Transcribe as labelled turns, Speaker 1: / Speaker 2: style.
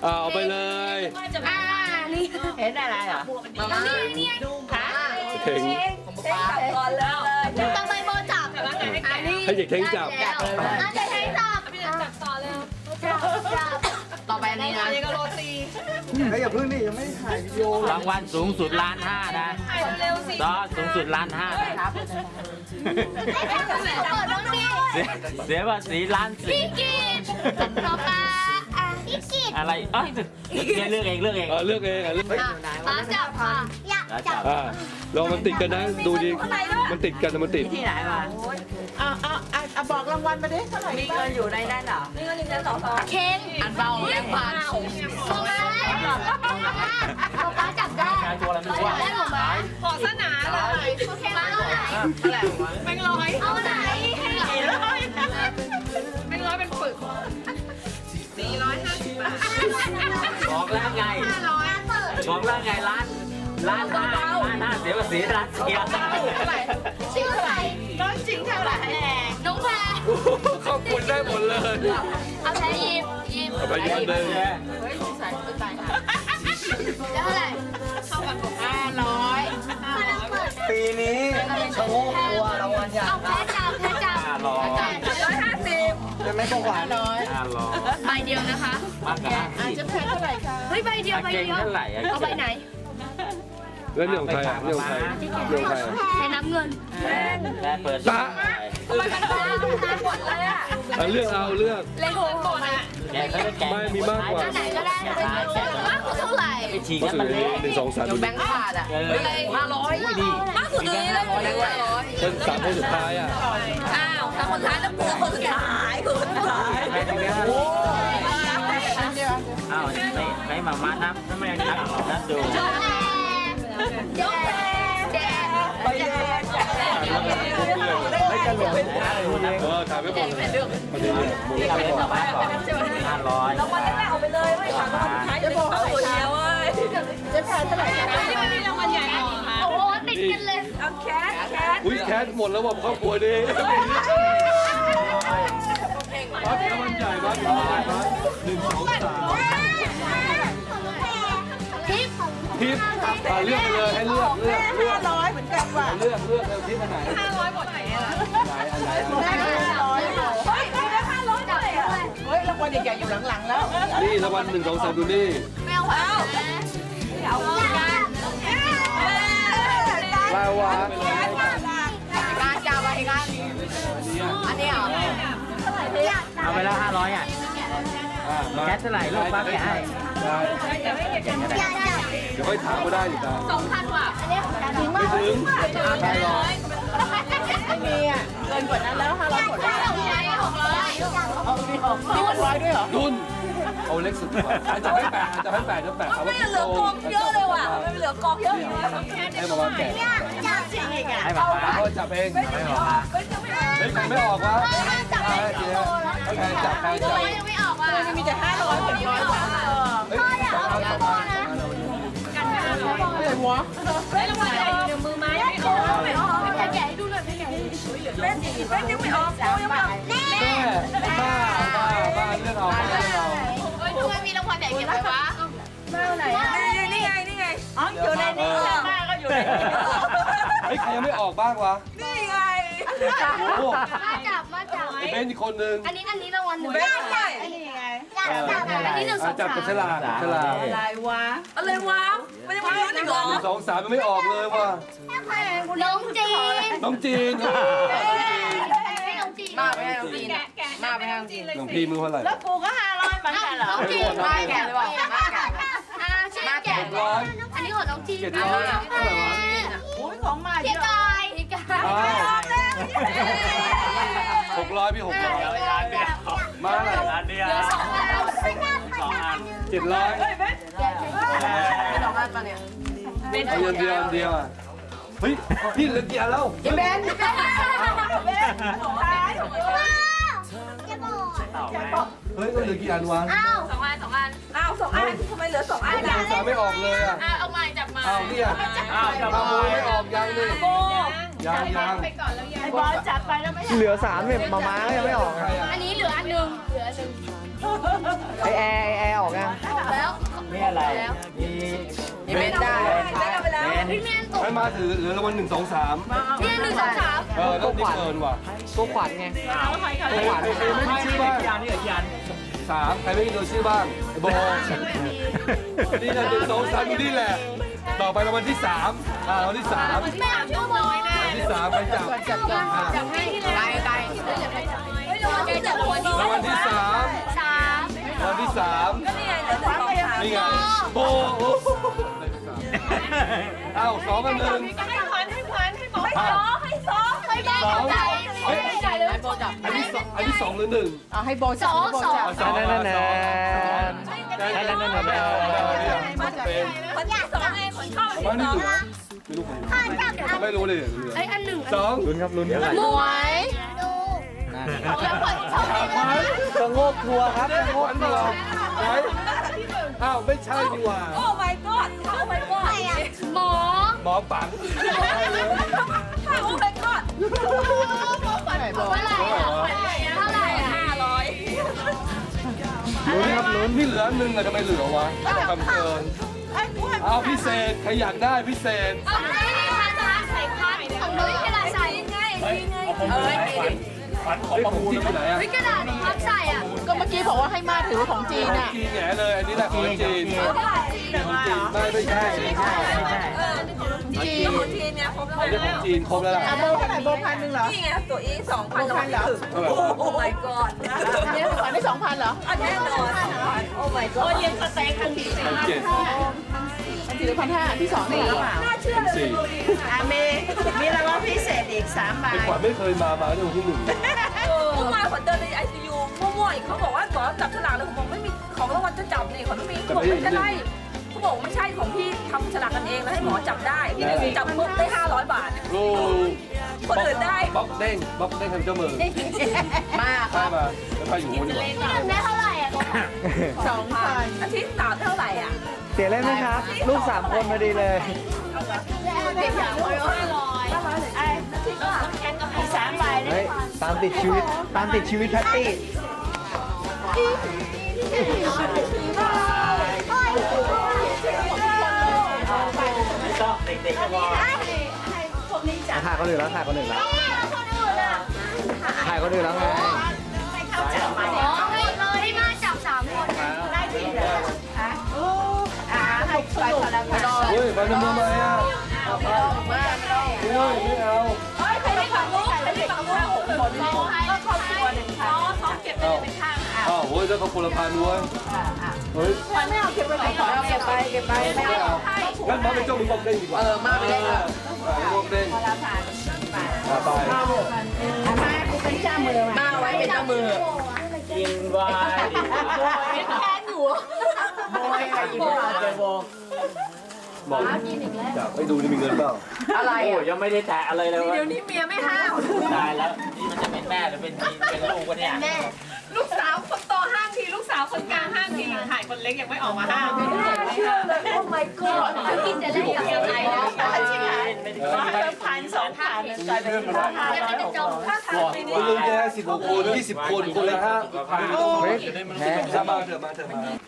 Speaker 1: เอาไปเลย
Speaker 2: นี่เห็นอะไรเหรอนี่ค่ะ
Speaker 1: เข่ง
Speaker 2: ก่อนเลยต้องไปโบจับอันนี้
Speaker 1: ให้เด็กเข่งจับ
Speaker 2: เด็กเข่งจับจับต่อเลยจับต่อไปนี่นะก็โรตี
Speaker 3: เฮ้ยอย่าเพิ่งนี่ยังไม่ถ่ายวิดีโอ
Speaker 4: รางวัลสูงสุด1,500,000นะ
Speaker 2: เร็วสิ
Speaker 4: ต่อสูงสุด1,500,000นะครับเสียภาษี1,400,000
Speaker 2: พี่กีดต่อไปพี่กีด
Speaker 4: อะไรเอ้ยเลือกเองเลือกเอง
Speaker 1: เลือกเองเลือก
Speaker 2: ป้าจับค่ะอยากจับ
Speaker 1: ลองมันติดกันนะดูดิมันติดกันมันติด
Speaker 5: ที่ไหนมาเอาบอกรางวัลมาดิเท่าไหร่มีเงินอยู่ในนั้นเหรอ
Speaker 2: นี่ก็1 2 2เค้งอันเบาแรงผ่านป้าจับได้
Speaker 4: ตัวอะไรไม่รู้ว่า
Speaker 2: ขอสนาเลยเค้งมาเอาไหนแบงค์ร้อยเอาไหนแบงค์ร้อยเป็นปึก450 บาท
Speaker 4: บอกแล้วไงบอกแล้วไงล้านห้าเสียภาษี1,400,000
Speaker 2: ชื่ออะไร
Speaker 5: น้องจริงเท่าไหร่
Speaker 2: น้องแพร
Speaker 1: ครอบครัวได้หมดเลย
Speaker 2: เอาแพรหยิบ
Speaker 1: เอาไปยืนเลย
Speaker 5: เฮ้ยใส่ไปตายหา
Speaker 2: เท่าไหร่
Speaker 5: 500
Speaker 3: ปีนี้ชะโงกตัวรางวัลใหญ่
Speaker 2: เอาแพรจับ
Speaker 3: จะไม่ประวัติ
Speaker 2: ใบเดียวนะคะ
Speaker 4: มากกว่า
Speaker 5: อาจจะแพงเท่าไหร่คะ
Speaker 2: เฮ้ยใบเดียว
Speaker 4: เก่งเท่าไหร่
Speaker 2: เอาใบไหน
Speaker 1: แล้วเนี่ยของใครอ่ะเนี่ยของใครเนี่ยของใคร
Speaker 2: ใช้น้ำเงิน
Speaker 4: แม่เปิด
Speaker 1: ตา
Speaker 2: มันหมดเลยอ่ะ
Speaker 1: เลือกเอาเลือก
Speaker 2: เลโก้หมดอ่ะ
Speaker 4: แกก็จะแก
Speaker 1: ไม่มีมากกว่า
Speaker 2: ไหนก็ได้มากกว่าเท่าไหร่
Speaker 4: ไปฉีก
Speaker 1: ก็
Speaker 4: แล้ว
Speaker 1: ถื
Speaker 4: มัน
Speaker 1: อ
Speaker 4: เละ
Speaker 1: 1 2 3ดู
Speaker 5: แบ
Speaker 1: ดิ
Speaker 5: งค์ขาดอ่ะ
Speaker 4: 500ดี
Speaker 2: มากสุดเลย
Speaker 1: เป็น3 คนสุดท้ายอ่ะ
Speaker 2: อ้าวแต่คนท้ายต้องเจอคนสุดท้ายคนสุดท้าย
Speaker 4: อ้าวไม่มามานับถ้าไม่นับนับดู
Speaker 2: แดง
Speaker 3: ไม่จะหลง
Speaker 1: ถ่ายไปหมดเลยพอดี
Speaker 4: ที่เราเล่นต่อมาก่อน500
Speaker 2: รางวัลแรกเอาไปเลยไม่ถามรางวัลท้ายจะบอกตัวเดียวเว้ย
Speaker 5: จะแพงเท่าไหร่คะ
Speaker 2: นี่มันมีรางวัลใหญ่โอ้โหติดกันเลยเอาแคท
Speaker 1: อุ้ยแคสหมดแล้วว่ะครอบครัวดิบ้านรางวัลใหญ่บ้าน1 2 3
Speaker 2: ทิป
Speaker 1: ทิปเลือกเลยให้เลือก
Speaker 5: 500เหมือนกันว่ะ
Speaker 1: เลือกเลยทิปอันไหน
Speaker 2: 500หมดไหนอ่ะ
Speaker 1: ไหน
Speaker 5: 500
Speaker 2: เฮ้ยได้500เลยอ่ะ
Speaker 5: เฮ้ยรางวัลใหญ่ๆอยู่หลังๆแล้ว
Speaker 1: นี่รางวัล1 2 3ดูนี่
Speaker 2: แมวเอากัน
Speaker 1: ลาวา
Speaker 5: การจับอะไรกันอันนี้เหรอ
Speaker 4: เอาไปแล้ว500อ่ะแคทเท่าไหร่ลูกป้าแกให้
Speaker 1: ได้เดี๋ยวค่อยถามก็ได้อยู่ตา
Speaker 2: 2,000 ว่ะ
Speaker 1: ไม่ถึง
Speaker 5: ไม่มีอ่ะเกินกว่านั้นแล้ว500หมดแล้ว
Speaker 2: 600
Speaker 5: เอามี600ด้วยเหรอ
Speaker 1: ดุนเอาเล็กสุดดีกว่าจะให้8จะให้8จะ8เอาว่าเหลือกองเยอะเลยว่ะไม่เหลือกองเยอะให้มาว่าแก
Speaker 4: ให้ป้า
Speaker 1: เขาจับเองเฮ้ยใครไม่ออกวะใครจับใครจับ
Speaker 2: ยังไม่ออกว่ะ
Speaker 5: มีแต่500 600ว่ะ
Speaker 1: เฮ้ยจับเอาจับมา
Speaker 5: อะไรวะ
Speaker 2: ได้รางวัลใหญ่อยู่ในมือไหมไม่ออกไม่แกะให้ดูหน่อยไม่แกะเป็นยังไม่ออกยังไม่ออก
Speaker 1: แม่บ้าเรื่องเอา
Speaker 2: เฮ้ยทำไมมีรางวัลใหญ่เก็บไว้วะ
Speaker 5: นี่ไงอ๋ออยู่ในนี้ป้าก็อยู่ในนี้
Speaker 1: เฮ้ยใครยังไม่ออกบ้างวะ
Speaker 5: นี่ไง
Speaker 1: โอ้
Speaker 2: มาจับ
Speaker 1: เบนอีกคนนึง
Speaker 2: อันนี้รางวัลหนึ่ง
Speaker 5: ไม่ใช่นี่ไง
Speaker 2: อันนี้1 2
Speaker 1: จับกับฉลากฉลาก
Speaker 5: อะไรวะ
Speaker 2: อะไรวะไม่ได้มาลุ้นอีกเหรอ
Speaker 1: 1 2 3มันไม่ออกเลยว่ะ
Speaker 2: น้องจีน
Speaker 1: น้องจีน
Speaker 2: ให้น้องจีน
Speaker 5: มาไปให้น้องจีนมาไปให้น้องจีน
Speaker 1: น้องพี่มือเท่าไหร่
Speaker 5: แล้วกูก็500เหมือนกันเหรอ
Speaker 2: น้องจีน
Speaker 5: มาแก่เลยว่ะมาแก่
Speaker 2: ชื่อแกะ
Speaker 1: 700
Speaker 2: อันนี้ของน้องจีน
Speaker 1: 700เท่าไหร่วะ
Speaker 5: อุ้ยของมา
Speaker 2: เจ๊กายเจ๊กาย
Speaker 1: 600พี่600มาอะไร
Speaker 4: ร้านเดียว 2 อัน
Speaker 1: 700
Speaker 5: ไม่ต้องอันมาเนี่ย
Speaker 1: เอาเดียวอ่ะเฮ้ยพี่เหลือกี่อันแล้ว
Speaker 5: เบน
Speaker 1: เฮ้ยเหลือกี่อันวะ
Speaker 2: 2 อัน
Speaker 5: อ้าว2 อันทำไมเหลือ2 อัน
Speaker 1: 1 2 3ไม่ออกเลยอ่ะ
Speaker 2: เอาไม้จับมา
Speaker 1: อ้าวเนี่ยขโมยไม่ออกยังนี่ยัง
Speaker 2: ไปก่อนแล้วยัง
Speaker 5: ไอ้บอลจัดไปแล้วไม่
Speaker 3: เหลือ3เนี่ยมายังไม่ออก
Speaker 1: ใครอ่ะ
Speaker 2: อันนี้เหลืออันหนึ่ง
Speaker 3: ไอแอร์ออกยัง
Speaker 2: แล้ว
Speaker 1: ให้มาถือเหลือรางวัล1 2 3
Speaker 2: เนี่ย1 2 3
Speaker 1: แล้วนี่เกินว่ะ
Speaker 3: ตัวขวัญไง
Speaker 1: ตัวขวัญใครไม่มีชื่อบ้าง
Speaker 4: พี่อันนี่กับพี่อัน
Speaker 1: 3ใครไม่มีตัวชื่อบ้างไอ้โบนี่นะ1 2 3อยู่นี่แหละต่อไปรางวัลที่3รางวัลที่3
Speaker 2: ไม่เอาชื่อน้อยแน่
Speaker 1: ที่3ไปจับ
Speaker 2: จับให้ที่ไหนไกลเฮ้ยรางวัลที่1
Speaker 1: รางวัลที่3
Speaker 2: 3
Speaker 1: รางวัลที่3
Speaker 2: ก็นี่ไงเดี๋ยวจะบอก
Speaker 1: นี่ไงโบเอ้า2 1
Speaker 2: ให้ซ้อให้ซ้อให้แม่ใจ
Speaker 1: เฮ้ย
Speaker 2: ใจเลย
Speaker 1: อันที่2หรือ1
Speaker 5: เอาให้โบจับให้โบจับ
Speaker 1: สอง
Speaker 3: นั่นนั่นนั่น
Speaker 1: นั่นนั่นเป็น
Speaker 2: คนอยากซ้อไงคนชอบ
Speaker 1: ว่านี่
Speaker 2: ซ้อ
Speaker 1: เหลือไม่รู้คนไม่รู้เลย
Speaker 2: ไอ้อันหนึ่ง
Speaker 1: 2
Speaker 3: ลุ้นครับลุ้นครับ
Speaker 2: หมวยแล้วคนชอบ
Speaker 3: ชะโงกทัวร์ครับชะโงกทัวร์
Speaker 1: ไหนอ้าวไม่ใช่ดีกว่า
Speaker 2: โอ้ my god โอ้ my god หมอ
Speaker 1: หมอปัง
Speaker 2: โอ้ my god เท่าไหร่อ่ะเท่าไหร่อ่ะ500
Speaker 3: ลุ้นครับลุ้น
Speaker 1: นี่เหลือ1อะทำไมเหลือวะทำเกินเอาพิเศษใครอยากได้พิเศษ
Speaker 2: เอาไม่ได้ค่ะจะใส่พัดของนุ้ยกระดาษใส่ไงไง
Speaker 1: ไอ้ของจีนอยู่ไหนอะ
Speaker 2: นุ้ยกระดาษพับใส่อ่ะ
Speaker 5: ก็เมื่อกี้บอกว่าให้มาถือของจีนอ่ะ
Speaker 1: จีนแง่เลยอันนี้แหละของจีนไม่ใช่
Speaker 5: จีน
Speaker 2: ของจีนเนี่ยครบแล้ว
Speaker 1: อันนี้ของจีนครบแล้วล่ะ
Speaker 5: อ่ะโบเท่าไหร่โบ1,000เหรอ
Speaker 2: นี่ไงตัวอี2,000เราไม่ถึงโอ้ my god
Speaker 5: อันนี้ขวัญได้2,000เหรอ
Speaker 2: อันแน่นอนโอ้ my god เรียนสเต็กทันที
Speaker 1: ของจีน
Speaker 5: อันที่1,500อันที่2นี่หรือเปล่า
Speaker 2: น่าเชื่อเลย
Speaker 5: อ่ะมีรางวัลพิเศษอีก3ใบ
Speaker 1: ไอ้ขวัญไม่เคยมาในวันที่1
Speaker 2: เมื่อวานขวัญเดินใน ICU มั่วๆอีกเขาบอกว่าขอจับฉลากเลยผมบอกไม่มีของรางวัลจะจับนี่ขวัญไม่มีเขาบอกไม่ได้เขาบอกไม่ใช่ของพี่ทำฉลากกันเองแล้วให้หมอจับได้พี่จับปุ๊บได้500 บาท
Speaker 1: โอ้
Speaker 2: คนอื่นได้
Speaker 1: บล็อกเด้งทำเจ้ามือ
Speaker 5: มาค
Speaker 1: ได้
Speaker 5: รับ
Speaker 1: มาแล้วไปอยู่บนดีกว่า
Speaker 2: พี่หนึ่งได้เท่าไหร่อ่ะ
Speaker 5: 2,000
Speaker 2: อาทิตย์3เท่าไหร่อ่ะ
Speaker 3: เสียเล่นไหมครับ ลูก3 คนพอดีเลย
Speaker 2: ได้500ไอ้ที่ก็แข่งกับพี่3ใบ
Speaker 3: เฮ้ยตามติดชีวิตตามติดชีวิตแพตตี้
Speaker 4: ไม่ต้องเด็กๆก็พอ
Speaker 3: ถ่ายคนอื่นแล้วถ่ายคนอื่นแล้วถ่ายคนอื่นแล้วไง
Speaker 2: อ๋อให้เลยมาจับ3 คนได้ทีเดียว
Speaker 5: ให้ไปพลังงาน
Speaker 1: เฮ้ยมาทำไมอ่ะเฮ้ยไม่เอา
Speaker 2: เฮ้ยใครได้ฝั่งนู้นใครได้ฝั่งนู้นคนรอให้ก็ครอบครัว1,000ซ้อมเก็บไปเลยเป็นข้างอ่ะ
Speaker 1: อ้าวเฮ้ยแล้วเขาคนละพันด้วยเฮ้ย
Speaker 5: ไม่เอาเก็บไปขอเก็บไปไม่
Speaker 1: ไม่
Speaker 5: เอา
Speaker 1: เอางั้นมาเป็นเจ้ามือบล็อกเด้งดีกว่า
Speaker 5: มาไปได้เลย
Speaker 1: บล็อกเด้ง
Speaker 5: ละผ่าน
Speaker 1: ไป
Speaker 5: มากูเป็นเจ้ามือมาไว้เป็นเจ้ามือ
Speaker 4: กินไวน์ดีกว่า
Speaker 2: แทนอยู่
Speaker 5: โบยไปอีกแล้ว
Speaker 4: เจอโบ
Speaker 1: บอกจะไปดูนี่มีเงินเปล่า
Speaker 5: อะไร
Speaker 4: โอ้ยังไม่ได้แตะอะไรเลยวะ
Speaker 2: เดี๋ยวนี้เมียไม่ห้าม
Speaker 4: ตายแล้วนี่มันจะเป็นแม่หรือเป็นลูกวะเนี่ย
Speaker 2: ลูกสาวคนโตห้ามทีลูกสาวคนกลางห้ามทีถ่ายคนเล็กยังไม่ออกมาห้ามไม่เชื่อเลยโอ้ my god จะกินจะได้ยังไงนะ
Speaker 5: 1,000 2,000
Speaker 1: กลายเป็นคุณลุงแก16 คน 20 คนคนละ5,000
Speaker 3: เฮ้ยแพ้
Speaker 1: มาเถอะ